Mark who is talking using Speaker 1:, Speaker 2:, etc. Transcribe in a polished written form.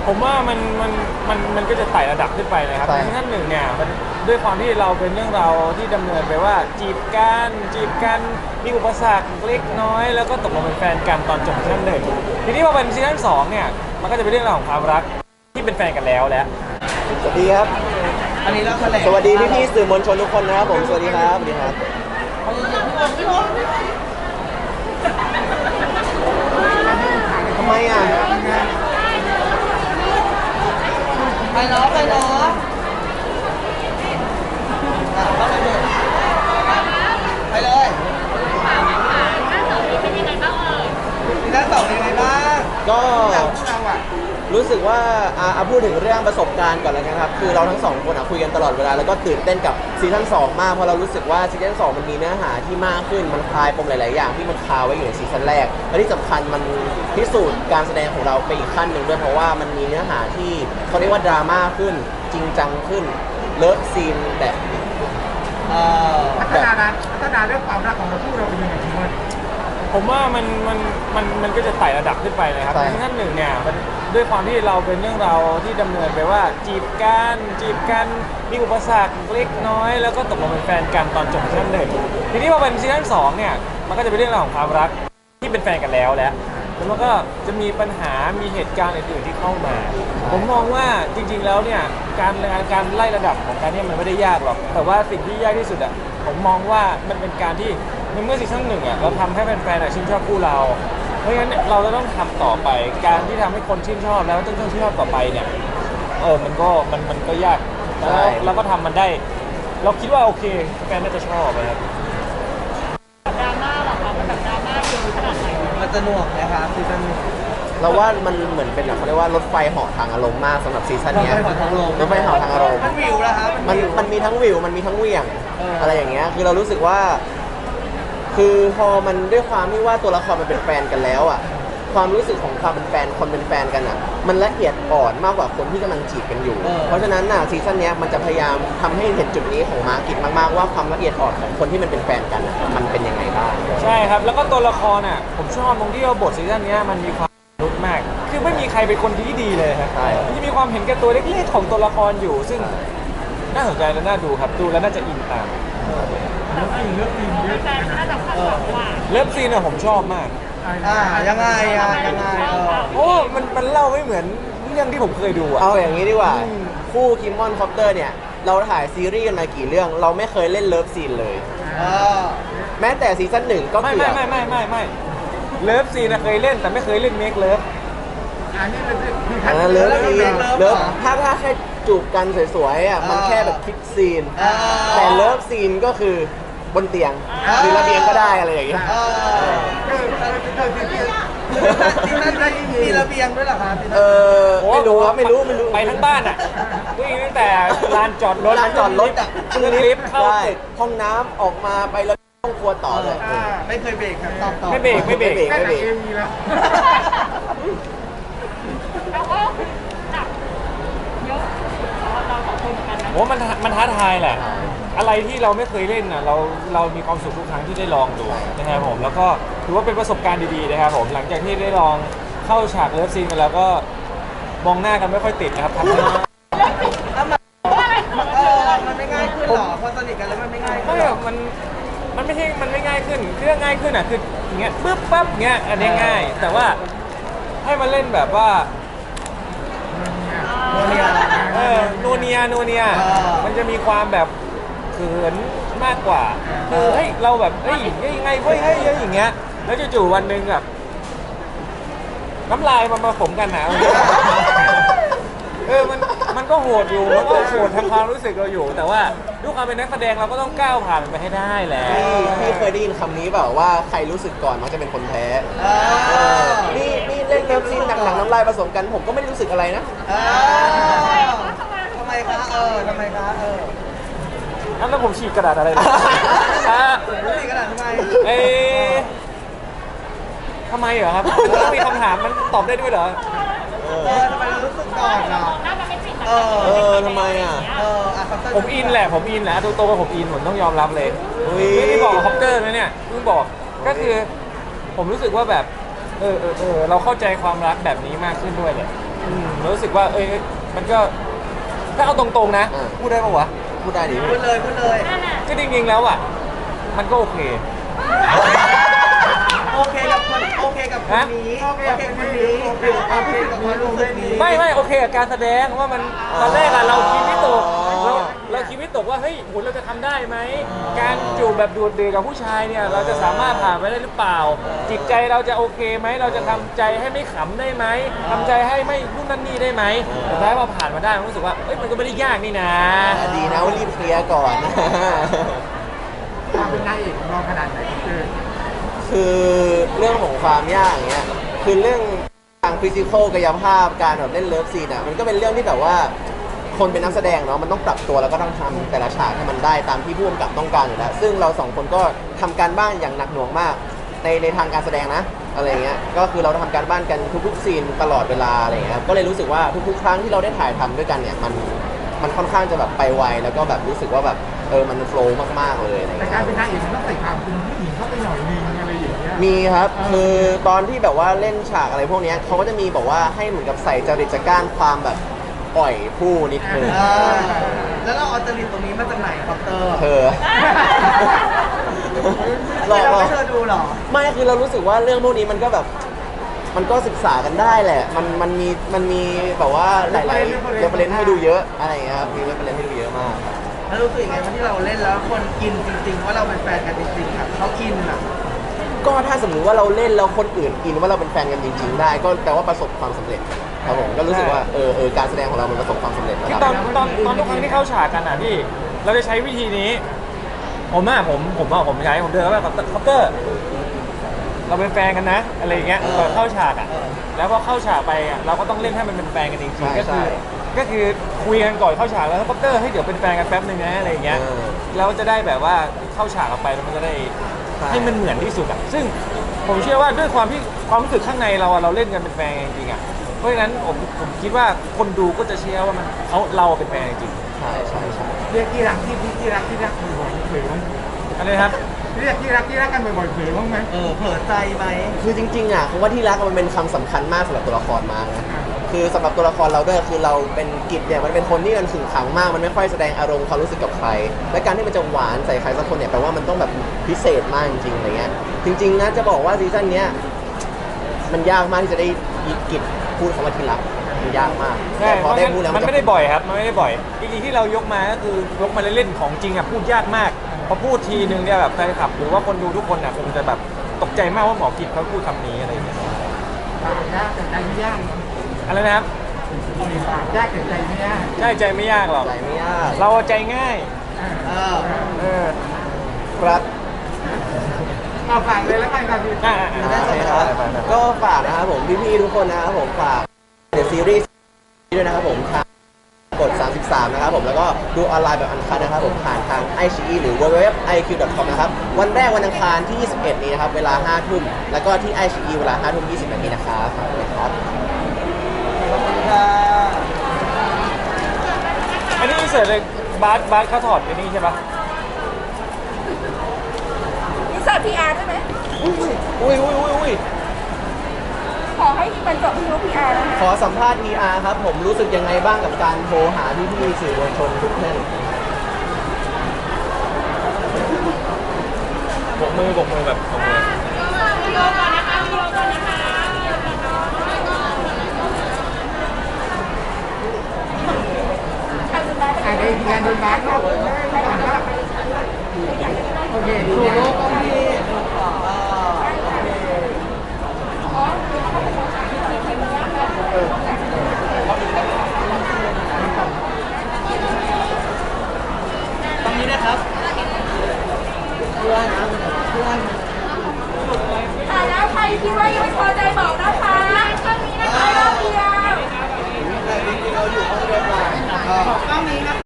Speaker 1: ผมว่ามันก็จะไต่ระดับขึ้นไปเลยครับซีซั่นหนึ่งเนี่ยมันด้วยความที่เราเป็นเรื่องราวที่ดำเนินไปว่าจีบกันมีอุปสรรคเล็กน้อยแล้วก็ตกลงเป็นแฟนกันตอนจบซีซั่นหนึ่งทีนี้พอเป็นซีซั่นสองเนี่ยมันก็จะเป็นเรื่องราวของความรักที่เป็นแฟนกันแล้วแหละ
Speaker 2: สวัสดีครับ
Speaker 3: อันนี้เราแถลง
Speaker 2: สวัสดีพี่ๆสื่อมวลชนทุกคนนะครับผมสวัสดีครับสวัสดีครับทำไมอ่ะ
Speaker 3: ไปเนาะเข้าเลยไปเลยซีซั่นสองเป็นยังไงบ้าง
Speaker 2: ก็
Speaker 3: เราพวกเราอ่ะ
Speaker 2: รู้สึกว่าพูดถึงเรื่องประสบการณ์ก่อนแล้วกันครับคือเราทั้งสองคนคุยกันตลอดเวลาแล้วก็ตื่นเต้นกับซีซั่น2มากเพราะเรารู้สึกว่าซีซั่น2มันมีเนื้อหาที่มากขึ้นมันคลายปมหลายๆอย่างที่มันคาไว้อยู่ในซีซั่นแรกและที่สำคัญมันพิสูจน์การแสดงของเราไปอีกขั้นหนึ่งด้วยเพราะว่ามันมีเนื้อหาที่เขาเรียกว่าดราม่าขึ้นจริงจังขึ้นเลิฟซีนแบบ
Speaker 4: พัฒนาเรื่องความรักของเราคู่เราเป็นยังไงพี่มด
Speaker 1: ผมว่ามันก็จะไต่ระดับขึ้นไปเลยครับซีซั่นหนึ่งเนี่ยมันด้วยความที่เราเป็นเรื่องราวที่ดำเนินไปว่าจีบกันมีอุปสรรคเล็กน้อยแล้วก็ตกลงเป็นแฟนกันตอนจบซีซั่นหนึ่งทีนี้พอเป็นซีซั่นสองเนี่ยมันก็จะเป็นเรื่องราวของความรักที่เป็นแฟนกันแล้วแหละแล้วมันก็จะมีปัญหามีเหตุการณ์อื่นๆที่เข้ามาผมมองว่าจริงๆแล้วเนี่ยการไล่ระดับของการเนี่ยมันไม่ได้ยากหรอกแต่ว่าสิ่งที่ยากที่สุดอะผมมองว่ามันเป็นการที่ในเมื่อซีซั่นหนึ่งอะเราทำให้แฟนๆชื่นชอบคู่เราเพราะงั้นเราจะต้องทำต่อไปการที่ทำให้คนชื่นชอบแล้วต้องชื่นชอบต่อไปเนี่ยมันก็ยากแล้วเราก็ทำมันได้เราคิดว่าโอเคแฟนน่าจะชอบนะครับ
Speaker 5: ดราม่าหรอคะมันแบบดราม่าเยอะขนาดไหน
Speaker 3: มันจะหน่วงนะคะซีซั่นนี้
Speaker 2: เราว่ามันเหมือนเป็นเขาเรียกว่ารถไฟเหาะทางอารมณ์มากสำหรับซีซั่นนี้รถไฟเหาะทางอารมณ์
Speaker 3: มันวิวแล้วครับ
Speaker 2: มันมีทั้งวิวมันมีทั้งเหวี่ยงอะไรอย่างเงี้ยคือเรารู้สึกว่าคือพอมันด้วยความที่ว่าตัวละครมันเป็นแฟนกันแล้วอ่ะความรู้สึกของความเป็นแฟนคนเป็นแฟนกันอ่ะมันละเอียดอ่อนมากกว่าคนที่กำลังจีบกันอยู่เพราะฉะนั้นน่ะซีซั่นนี้มันจะพยายามทำให้เห็นจุดนี้ของมาร์กิตมากๆว่าความละเอียดอ่อนของคนที่มันเป็นแฟนกันอ่ะมันเป็นยังไงบ้าง
Speaker 1: ใช่ครับแล้วก็ตัวละครอ่ะผมชอบตรงที่ว่าบทซีซั่นนี้มันมีความมนุษย์มากคือไม่มีใครเป็นคนดีเลยครับมันจะมีความเห็นแก่ตัวเล็กๆของตัวละครอยู่ซึ่งน่าสนใจและน่าดูครับดูแล้วน่าจะอินตาม
Speaker 5: แฟนน่าจะคาดหวังว่า
Speaker 1: เลิฟซีนอะผมชอบมาก
Speaker 3: ยังไง
Speaker 1: โอ้มันเล่าไม่เหมือนเรื่องที่ผมเคยดูอะ
Speaker 2: เอาอย่างนี้ดีกว่าคู่คิมมอนคอปเตอร์เนี่ยเราถ่ายซีรีส์กันมากี่เรื่องเราไม่เคยเล่นเลิฟซีนเลยแม้แต่ซีซั่น1ก็
Speaker 1: ไม่เลิฟซีนเคยเล่นแต่ไม่เคยเล่นเมคเลิฟ
Speaker 4: อันนี้เป็น
Speaker 2: เลิฟซีนเลิฟถ้าแค่จูบกันสวยๆอ่ะมันแค่แบบคิดซีนแต่เลิฟซีนก็คือบนเตียงหรือระเบียงก็ได้อะไรอย่างเงี้ย
Speaker 3: ที่นั่นมีระเบียงด้วยเหรอครับ
Speaker 2: ไม่รู้ครับไม่รู้
Speaker 1: ไปทั้งบ้านอ่ะวิ่งตั้งแต่ลานจอดรถ
Speaker 2: อ่ะขึ้นลิฟต์เข้าห้องน้ำออกมาไปแล้วห้องครัวต่อเลย
Speaker 3: ไม่เคยเบรกครับต่อ
Speaker 1: ไม่เบรก
Speaker 5: แล้วก็จับเยอะเราสองคนเหมือนกันนะ
Speaker 1: โอ้มันท้าทายแหละอะไรที่เราไม่เคยเล่นน่ะเรามีความสุขทุกครั้งที่ได้ลองดูนะครับผมแล้วก็ถือว่าเป็นประสบการณ์ดีๆนะครับผมหลังจากที่ได้ลองเข้าฉากเลิฟซีนกันแล้วก็มองหน้ากันไม่ค่อยติดนะครับทำให้
Speaker 3: มันไม่ง่ายขึ้นหรอพอสนิทกันแล้วมันไม่ง่ายขึ้น
Speaker 1: มันไม่ใช่มันไม่ง่ายขึ้นเรื่องง่ายขึ้นอ่ะคืออย่างเงี้ยปึ๊บปั๊บเงี้ยอันนี้ง่ายแต่ว่าให้มันเล่นแบบว่านัวเนียมันจะมีความแบบเขินมากกว่าคือเฮ้ยเราแบบเฮ้ยยังไงเฮ้ยอย่างเงี้ยแล้วจู่ๆวันหนึ่งแบบน้ำลายมันมาผมกันนะมันก็โหดอยู่มันก็โหดทางความรู้สึกเราอยู่แต่ว่าด้วยความเป็นนักแสดงเราก็ต้องก้าวผ่านมันไปให้ได้แหละ
Speaker 2: พี่เคยได้ยินคำนี้เปล่าว่าใครรู้สึกก่อนมักจะเป็นคนแพ้นี่เล่นเลิฟซีนหนังน้ำลายผสมกันผมก็ไม่รู้สึกอะไรนะ
Speaker 3: ทำไมคะ
Speaker 1: แล้วผมฉีกกระดาษอะไรนะ
Speaker 3: ฉีกกระดาษทำไม
Speaker 1: ทำไมเหรอครับต้องมีคำถามมันตอบได้ด้วยเหรอ
Speaker 3: ทำไมรู้สึกก่อนอ่ะ
Speaker 2: ทำไมอ่ะ
Speaker 1: ผมอินแหละตัวผมอินผมต้องยอมรับเลยไม่ได้บอกคอปเตอร์นะเนี่ยเพิ่งบอกก็คือผมรู้สึกว่าแบบเราเข้าใจความรักแบบนี้มากขึ้นด้วยเลยรู้สึกว่ามันก็ถ้าเอาตรงๆนะ พูดได้ปะวะ
Speaker 2: พูดได้ดิ
Speaker 3: พูดเลยพูดเลย
Speaker 5: นั่นน่ะ
Speaker 1: ก็จริงๆแล้วอ่ะมันก็โอเค
Speaker 3: โอเคกับคนโอเคกับคนนี้โอเคกับคนนี้โอเคกับความรู้สึกนี้
Speaker 1: ไม่โอเคกับการแสดงว่ามันตอนแรกอะเราคิดวิตกเราคิดวิตกว่าเฮ้ยโหเราจะทำได้ไหมการจูบแบบดูดดื่มกับผู้ชายเนี่ยเราจะสามารถผ่านไปได้หรือเปล่า จิตใจเราจะโอเคไหมเราจะทำใจให้ไม่ขำได้ไหมทำใจให้ไม่นู่นนั่นนี่ได้ไหมแต่ท้ายพอผ่านมาได้มันรู้สึกว่ามันก็ไม่ได้ยากนี่นะ
Speaker 2: ดีนะว่ารีบเคลียร์ก่อน
Speaker 4: ความเป็นนายเอกของเราขนาดไหน
Speaker 2: คือเรื่องของความยากเงี้ยคือเรื่องทางฟิสิกอลกายภาพการแบบเล่นเลิฟซีนอ่ะมันก็เป็นเรื่องที่แบบว่าคนเป็นนักแสดงเนาะมันต้องปรับตัวแล้วก็ต้องทำแต่ละฉากให้มันได้ตามที่ผู้กำกับต้องการอยู่แล้วซึ่งเราสองคนก็ทำการบ้านอย่างหนักหน่วงมากในทางการแสดงนะอะไรเงี้ยก็คือเราทำการบ้านกันทุกๆซีนตลอดเวลาอะไรเงี้ยก็เลยรู้สึกว่าทุกๆครั้งที่เราได้ถ่ายทำด้วยกันเนี่ยมันค่อนข้างจะแบบไปไวแล้วก็แบบรู้สึกว่าแบบมันโฟล์มากๆเลยอะไร
Speaker 4: แต่
Speaker 2: เงี้ย
Speaker 4: การเป็นนายเอกมันต้องใส่ความเป็นผู้หญิงเข้าไปหน่อยนึงอะไรอย่างเงี้ย
Speaker 2: มีครับคือตอนที่แบบว่าเล่นฉากอะไรพวกเนี้ยเขาก็จะมีบอกว่าให้เหมือนกับใส่จริตจักร้านความแบบอ่อยผู้นิดนึง
Speaker 3: แล้วเราเอาจริตตรงนี้มาจากไหนครับเตอร์
Speaker 2: เธอ
Speaker 3: เราไม่เธอดูหรอ
Speaker 2: ไม่คือเรารู้สึกว่าเรื่องพวกนี้มันก็แบบมันก็ศึกษากันได้แหละมันมีแบบว่าหลายๆเรฟเฟรนซ์ให้ดูเยอะอะไรอย่างเงี้ยครับมีเรฟเฟรนซ์ให้ดูเยอะมาก
Speaker 3: แล้วรู้สึกยังไงวันที่เราเล่นแล้วคนอินจริงๆว่าเราเป็นแฟนกันจริงๆครับเขาอินอ่ะ
Speaker 2: ก็ถ้าสมมุติว่าเราเล่นแล้วคนอื่นอินว่าเราเป็นแฟนกันจริง ๆ ได้ก็แปลว่าประสบความสำเร็จครับผมก็รู้สึกว่าการแสดงของเรามันประสบความสำเร็จ
Speaker 1: คือ
Speaker 2: ระ
Speaker 1: ต
Speaker 2: ดั
Speaker 1: อบ นทุกครั้งที่เข้าฉากกันอ่ะพี่เราจะใช้วิธีนี้ผมใช้ผมเดินเข้าไปกับคอปเตอร์เราเป็นแฟนกันนะอะไรอย่างเงี้ยก่อนเข้าฉากอ่ะแล้วพอเข้าฉากไปอ่ะเราก็ต้องเล่นให้มันเป็นแฟนกันจริงๆก็คือคุยกันก่อนเข้าฉากแล้วคอปเตอร์ให้เดี๋ยวเป็นแฟนกันแป๊บนึงนะอะไรอย่างเงี้ยเราจะได้แบบว่าเข้าฉากออกไปแล้วมันจะได้ให้มันเหมือนที่สุดอ่ะซึ่งผมเชื่อว่าด้วยความที่ความรู้สึกข้างในเราเล่นกันเป็นแฟนจริงๆอ่ะเพราะฉะนั้นผมคิดว่าคนดูก็จะเชื่อว่าเราเป็นแฟนจริง
Speaker 2: ใช่
Speaker 4: เรียกที่รักบ่อยๆเผยบ้าง
Speaker 1: อะไรครับ
Speaker 4: เรียกที่รักกันบ่อยๆเผยบ้างไหม
Speaker 3: เผลอใจไหม
Speaker 2: คือจริงๆอ่ะคำว่าที่รักมันเป็นคำสำคัญมากสำหรับตัวละครมากนะคือสำหรับตัวละครเราด้วยคือเราเป็นกิจเนี่ยมันเป็นคนที่มันขึงขังมากมันไม่ค่อยแสดงอารมณ์ความรู้สึกกับใครและการที่มันจะหวานใส่ใครสักคนเนี่ยแปลว่ามันต้องแบบพิเศษมากจริงๆอะไรเงี้ยจริงๆนะจะบอกว่าซีซั่นเนี้ยมันยากมากที่จะได้ยิกิจพูดคำว่าที่รักมันยากมาก
Speaker 1: ใช่
Speaker 2: แต่พอได้พูดแล้ว
Speaker 1: มันไม่ได้บ่อยครับมันไม่ได้บ่อยจริงๆที่เรายกมาก็คือยกมาเล่นๆของจริงอ่ะพูดยากมากพอพูดทีนึงเนี่ยแบบแฟนคลับหรือว่าคนดูทุกคนอ่ะคงจะแบบตกใจมากว่าหมอกิจเขาพูดคำนี้อะไรอย่างเงี้ย
Speaker 4: ปากยากแต่ใจไม่ยาก
Speaker 1: อะไรนะครับ
Speaker 4: ปากยากแต่ใจไม่ยาก
Speaker 1: ใช่ใจไม่ยากหรอก
Speaker 2: ใจไม่ยาก
Speaker 1: เราใจง่าย เออ
Speaker 2: ครับ
Speaker 4: เอาฝากเลยแล้วกันครับพี่
Speaker 1: อ่า
Speaker 2: ได้ครับก็ฝากนะครับผมพี่ๆทุกคนนะครับผมฝากเดอะซีรีส์ด้วยนะครับผมทางกด 33 นะครับผมแล้วก็ดูออนไลน์แบบอันคัดนะครับผมผ่านทาง iQIYI หรือ www.iq.com นะครับวันแรกวันอังคารที่ 21 นี้นะครับเวลา 5 ทุ่มแล้วก็ที่ iQIYI เวลา 5 ทุ่ม 20 นาทีนะครับฝากด้วยครับ
Speaker 1: อันนี้เสิร์ชเลยบาสเขาถอดอันนี้ใช่ปะ
Speaker 5: อินเสิร์ต PR ได้ไหม
Speaker 2: อุ้ย
Speaker 5: ขอให้มีบรรจบที่รู้ PR นะคะ
Speaker 2: ขอสัมภาษณ์ PR ครับผมรู้สึกยังไงบ้างกับการโทรหาพี่ๆสื่อมวลชนทุกท่าน
Speaker 1: บกมืแบบบกมือ
Speaker 5: วิดีโอก่อนนะคะวิดีโอก่อนนะคะ
Speaker 4: ไอ้ที่งานโดนบาสก็โอเคดูโลกก็มี
Speaker 3: ตรงนี้นะครับ
Speaker 5: ถ่ายแล้วใครคิดว่ายังไม่พอใจบอกนะคะช่องนี้นะคะรอบเดียว
Speaker 3: เราอยู่ห้องเดียวกัน